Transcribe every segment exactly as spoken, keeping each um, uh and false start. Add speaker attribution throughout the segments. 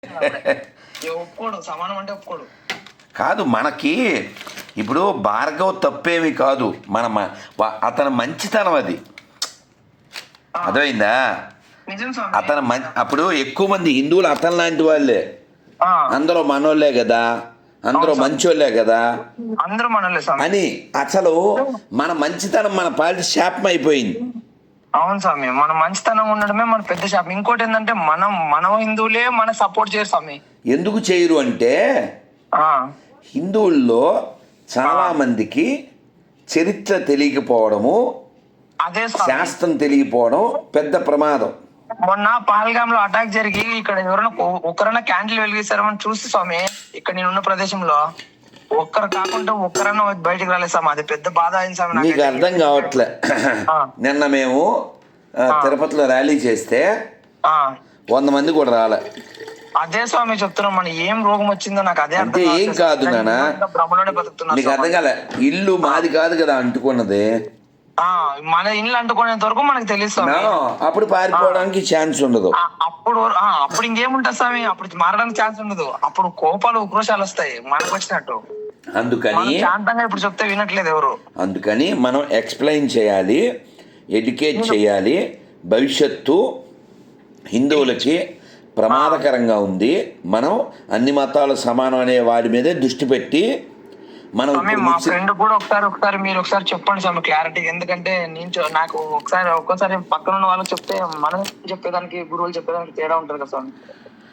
Speaker 1: ఒప్పుకోడు, సమానం అంటే ఒప్పుకోడు.
Speaker 2: కాదు మనకి ఇప్పుడు భార్గవ్ తప్పేమి కాదు, మన మ- వా- అతని మంచితనం అది, అర్థమైందా?
Speaker 1: నిజం స్వామి.
Speaker 2: అతను మం అప్పుడు ఎక్కువ మంది హిందువులు అతని లాంటి వాళ్ళే,
Speaker 1: ఆ,
Speaker 2: అందరూ మనోళ్ళే కదా, అందరూ మంచోళ్ళే కదా
Speaker 1: అందరూ మనలే స్వామి.
Speaker 2: అని అసలు మన మంచితనం మన పాలిటి శాపం అయిపోయింది.
Speaker 1: అవును స్వామి, మన మంచితనం ఉండడమే మన పెద్ద శాపం. ఇంకోటి ఏంటంటే మనం మన హిందువులే మన సపోర్ట్ చేయరు స్వామి.
Speaker 2: ఎందుకు చేయరు అంటే
Speaker 1: ఆ,
Speaker 2: హిందువుల్లో చాలా మందికి చరిత్ర తెలియకపోవడము,
Speaker 1: అదే స్వామి.
Speaker 2: శాస్త్రం తెలియకపోవడం పెద్ద ప్రమాదం.
Speaker 1: మొన్న పహల్గామ్ లో అటాక్ జరిగి ఇక్కడ ఎవరైనా ఒ- ఒక్కరైనా క్యాండిల్ వెలిగిస్తారని చూస్తే స్వామి, ఇక్కడ నేనున్న ప్రదేశంలో ఒక్కరు కాకుండా ఒక్కరైనా బయటకు రాలేదు స్వామి. అది పెద్ద బాధ అయింది స్వామి
Speaker 2: నీకు
Speaker 1: నాకైతే.
Speaker 2: అర్థం కావట్లే.
Speaker 1: ఆ,
Speaker 2: నిన్న మేము ఆ, తిరుపతిలో ర్యాలీ చేస్తే
Speaker 1: ఆ,
Speaker 2: వంద మంది కూడా రాలే.
Speaker 1: అదే స్వామి చెప్తున్నాం, మన ఏం రోగం వచ్చిందో నాకు అదే
Speaker 2: అంటే
Speaker 1: అర్థం
Speaker 2: ఏం
Speaker 1: కావట్లేదు.
Speaker 2: కాదు నాన్న,
Speaker 1: ఇంకా భ్రమలోనే బతుకుతున్నా
Speaker 2: నీకు అర్థం
Speaker 1: స్వామి.
Speaker 2: కాలే. ఇల్లు మాది కాదు కదా అంటుకున్నది,
Speaker 1: ఆ, మన ఇల్లు అంటుకునేంత వరకు మనకు తెలుసు స్వామి.
Speaker 2: నా అప్పుడు పారిపోవడానికి ఛాన్స్ ఉండదు.
Speaker 1: ఆ, అప్పుడు ఆ, అప్పుడు ఇంకేముంటది స్వామి, అప్పుడు మారడానికి ఛాన్స్ ఉండదు. అప్పుడు కోపాలు ఉక్రోషాలు వస్తాయి మనకు వచ్చినట్టు.
Speaker 2: అందుకని
Speaker 1: మనం శాంతంగా ఇప్పుడు చెప్తే వినట్లేదు ఎవరు.
Speaker 2: అందుకని మనం ఎక్స్ప్లెయిన్ చేయాలి, ఎడ్యుకేట్ చేయాలి. భవిష్యత్తు హిందువులకి ప్రమాదకరంగా ఉంది. మనం అన్ని మతాలు సమానం అనే వాడి మీదే దృష్టి పెట్టి మనం
Speaker 1: స్వామి,
Speaker 2: ఇప్పుడు
Speaker 1: మా
Speaker 2: ముస్లిం-
Speaker 1: ఫ్రెండ్ కూడా ఒకసారి ఒకసారి మీరు ఒకసారి చెప్పండి స్వామి క్లారిటీ. ఎందుకంటే నేను చూ- నాకు ఒకసారి ఒక్కోసారి పక్కన ఉన్న వాళ్ళకి చెప్తే మనం చెప్పేదానికి గురువులు చెప్పేదానికి తేడా ఉంటుంది కదా స్వామి.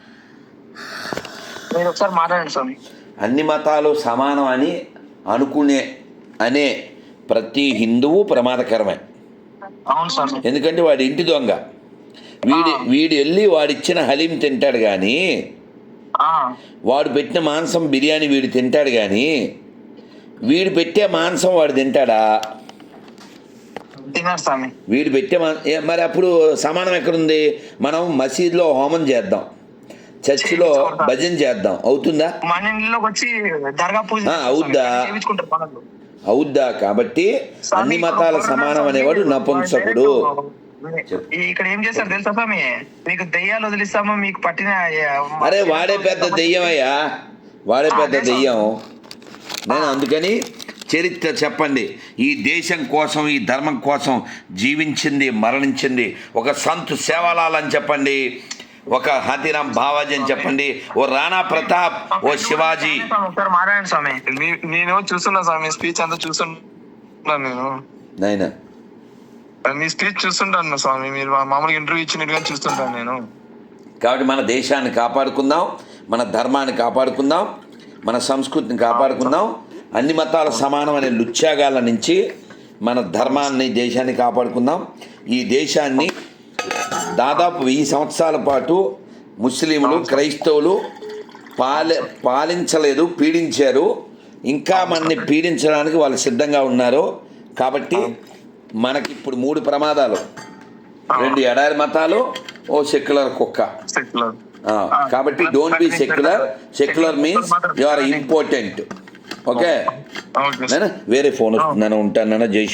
Speaker 1: మీరు ఒకసారి మాట్లాడండి స్వామి.
Speaker 2: అన్ని మతాలు సమానం అని అనుకునే అనే ప్రతి హిందువు ప్రమాదకరమే.
Speaker 1: అవును స్వామి.
Speaker 2: ఎందుకంటే వాడి ఇంటి దొంగ. వీడి వీడు వెళ్ళి వాడిచ్చిన హలీం తింటాడు కానీ,
Speaker 1: ఆ,
Speaker 2: వాడు పెట్టిన మాంసం బిర్యానీ వీడు తింటాడు కానీ, వీడు పెట్టే మాంసం వాడు తింటాడా?
Speaker 1: తిన్నారు స్వామి.
Speaker 2: వీడు పెట్టే మా ఏ- మరి అప్పుడు సమానం ఎక్కడుంది? మనం మసీదులో హోమం చేద్దాం, చర్చిలో భజన చేద్దాం, అవుతుందా?
Speaker 1: మన ఇంట్లోకి వచ్చి దర్గా పూజ
Speaker 2: ఆ, అవుద్దా?
Speaker 1: చేయించుకుంటారు పనులు.
Speaker 2: అవుద్దా? కాబట్టి అన్ని మతాల సమానం అనేవాడు నపుంసకుడు.
Speaker 1: ఈ- ఇక్కడ ఏం చేస్తారు తెలుసా స్వామి, మీకు దెయ్యాలు వదిలిస్తాము మీకు పట్టిన.
Speaker 2: అరే వాడే పెద్ద దెయ్యమయ్యా, వాడే పెద్ద దెయ్యం. నేను అందుకని చరిత్ర చెప్పండి. ఈ దేశం కోసం, ఈ ధర్మం కోసం జీవించింది, మరణించింది ఒక సంత్ సేవాలాల్ అని చెప్పండి, ఒక హాతీరామ్ బావాజీ అని చెప్పండి, ఓ రాణా ప్రతాప్, ఓ శివాజీ.
Speaker 1: ఒకసారి మాట్లాడండి స్వామి. నీ- నేను చూస్తున్నా స్వామి, స్పీచ్ అంతా చూస్తున్నా నేను.
Speaker 2: నాయనా
Speaker 1: మీ స్పీచ్ చూస్తుంటాను స్వామి, మీరు మామూలుగా ఇంటర్వ్యూ ఇచ్చినట్టుగా చూస్తుంటాను నేను.
Speaker 2: కాబట్టి మన దేశాన్ని కాపాడుకుందాం, మన ధర్మాన్ని కాపాడుకుందాం, మన సంస్కృతిని కాపాడుకుందాం. అన్ని మతాల సమానం అనే లుచ్చాగాల నుంచి మన ధర్మాన్ని, దేశాన్ని కాపాడుకుందాం. ఈ దేశాన్ని దాదాపు వెయ్యి సంవత్సరాల పాటు ముస్లింలు, క్రైస్తవులు పాలి పాలించలేదు, పీడించారు. ఇంకా మనని పీడించడానికి వాళ్ళు సిద్ధంగా ఉన్నారు. కాబట్టి మనకి ఇప్పుడు మూడు ప్రమాదాలు, రెండు ఎడారి మతాలు, ఓ సెక్యులర్ కుక్క. ఆ, కాబట్టి don't be secular. Secular means you are important. Okay,
Speaker 1: okay.
Speaker 2: నేను వేరే ఫోన్ వస్తుందని ఉంటాను. జై